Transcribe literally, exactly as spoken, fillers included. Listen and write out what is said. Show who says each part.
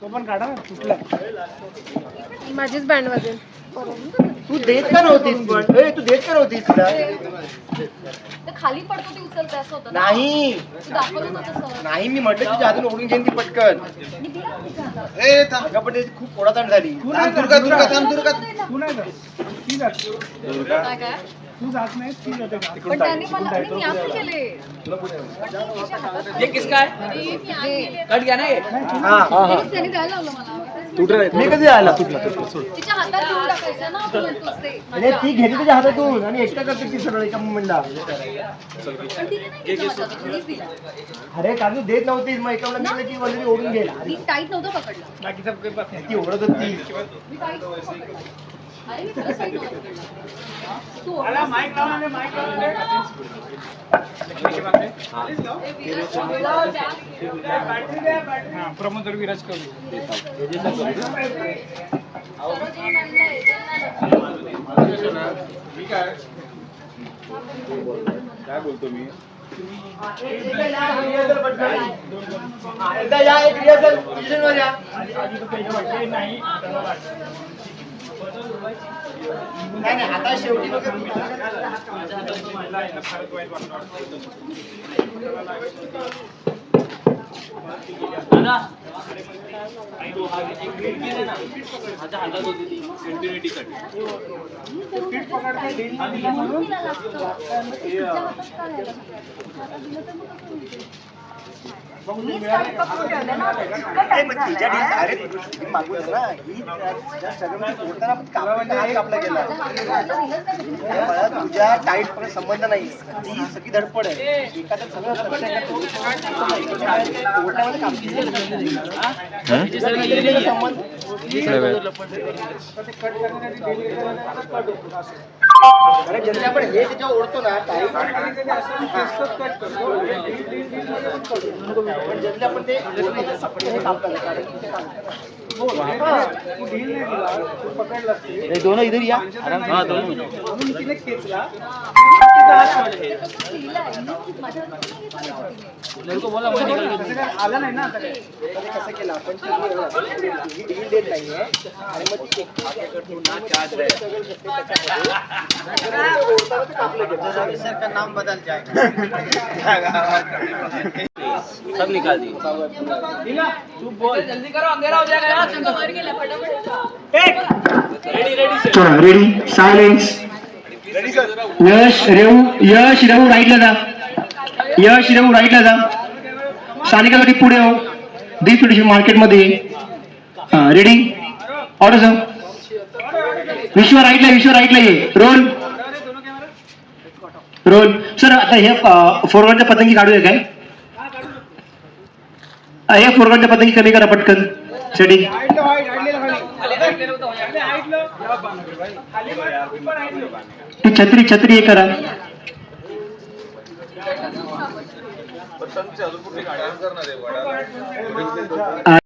Speaker 1: तो पण काढा ना कुठला
Speaker 2: माझीच बँड वाजेल.
Speaker 3: तू देत का नव्हतीस पण ए तू देत का नव्हतीस तिला
Speaker 2: ते खाली पडतो ते उचलते असं होतं ना.
Speaker 3: नाही
Speaker 2: तू दाखवलं होतं तसं.
Speaker 3: नाही मी म्हटलं तुझ्या हातून ओढून घेईन ती पटकन
Speaker 2: मी दिला तिच्या हातात.
Speaker 3: ए थांब पण त्याची खूप ओढाताण झाली
Speaker 1: तू
Speaker 3: थांब,
Speaker 1: नाही
Speaker 3: दुर्गा
Speaker 1: जात,
Speaker 3: दुर्गा
Speaker 1: तू
Speaker 3: थांब दुर्गा
Speaker 1: तू नाही जात ती जात
Speaker 2: काय काय
Speaker 1: तू जात नाही ती जाते का
Speaker 2: पण त्यांनी मला आणि मी असं केले पण ती तिच्या हातात
Speaker 4: ये किसका है?
Speaker 2: मी आणलेले.
Speaker 4: कट गया ना ये?
Speaker 3: हा हा
Speaker 2: तेच त्यांनी द्यायला लावलं मला.
Speaker 3: मी कधी आला
Speaker 2: तिच्या हातात घेऊन टाकायचं ना तू म्हणतोस ते.
Speaker 3: अरे ती घेते तुझ्या हातातून आणि एकटा करते ती सरळ एका मुमेंटला
Speaker 2: पण तिने नाही घेतलं माझ्या हातातून, मीच दिला.
Speaker 3: अरे कारण तू देत नव्हतीस मग एका मुलाला ती वरती ओढून गेला
Speaker 2: मी टाईट नव्हतं पकडला.
Speaker 1: बाकीचा काही पास नाही
Speaker 3: ती ओढत होती
Speaker 2: मी टाईट नव्हतं पकडला. अरे मी खरंच टाईट नव्हतं पकडला. तू
Speaker 1: आला माईक लावला नाही माईक लावला प्रमोद विराज करू
Speaker 5: काय बोलतो मी
Speaker 3: एकदा या एक रिहर्सल पोझिशन वर या नाही नाही आता शेवटी
Speaker 4: दादा माझ्या हातात होती ती कंटिन्युटी कट.
Speaker 3: तिच्या डील अरे तुम्ही मागू ना ही सगळं ओढताना कापला हात कापला गेला मला तुझ्या टाईट पण संबंध नाही ती सगळी धडपड आहे एखादं सगळं ओढण्यामध्ये संबंध अरे जनते आपण हे त्याच्यावर ओढतो ना टाईट पण जनते आपण ते हे कापलं कारण की ते
Speaker 1: तू ढील नाही दिला तू पकडलास ते
Speaker 3: दोनों इधर या
Speaker 4: हाँ दोनों
Speaker 1: म्हणून तिने खेचला
Speaker 4: मेरे को बोला मैं निकल
Speaker 1: तसं काय आलं नाही ना आता काय
Speaker 3: कसं केलं आपण ही डील देत नाहीये आणि मग ती सर का नाम बदल
Speaker 4: सब निकाल दी.
Speaker 1: तू बोल
Speaker 4: जल्दी करो अंधेरा हो जाएगा यार. रेडी रेडी से
Speaker 6: चला रेडी सायलेन्स यश रेऊ यश रेऊ राईटला जा यश रेऊ राईटला जा सानिकासाठी पुढे हो दी थोडीशी मार्केटमध्ये हा रेडी ऑर्डर सर विश्व राईटला विश्व राईटला ये रोल रोल सर आता हे फोरग्राऊंडच्या पतंगी काढूया काय हे फोरग्राऊंडच्या पतंगी कमी करा पटकन सेटिंग
Speaker 1: हाईटलं हाईट हाईटलं खाली हाईटलं खाली
Speaker 6: ती छत्री छत्री हे करा
Speaker 5: पण त्यांचे अजून कुठे गाड्या करणार आहे वडा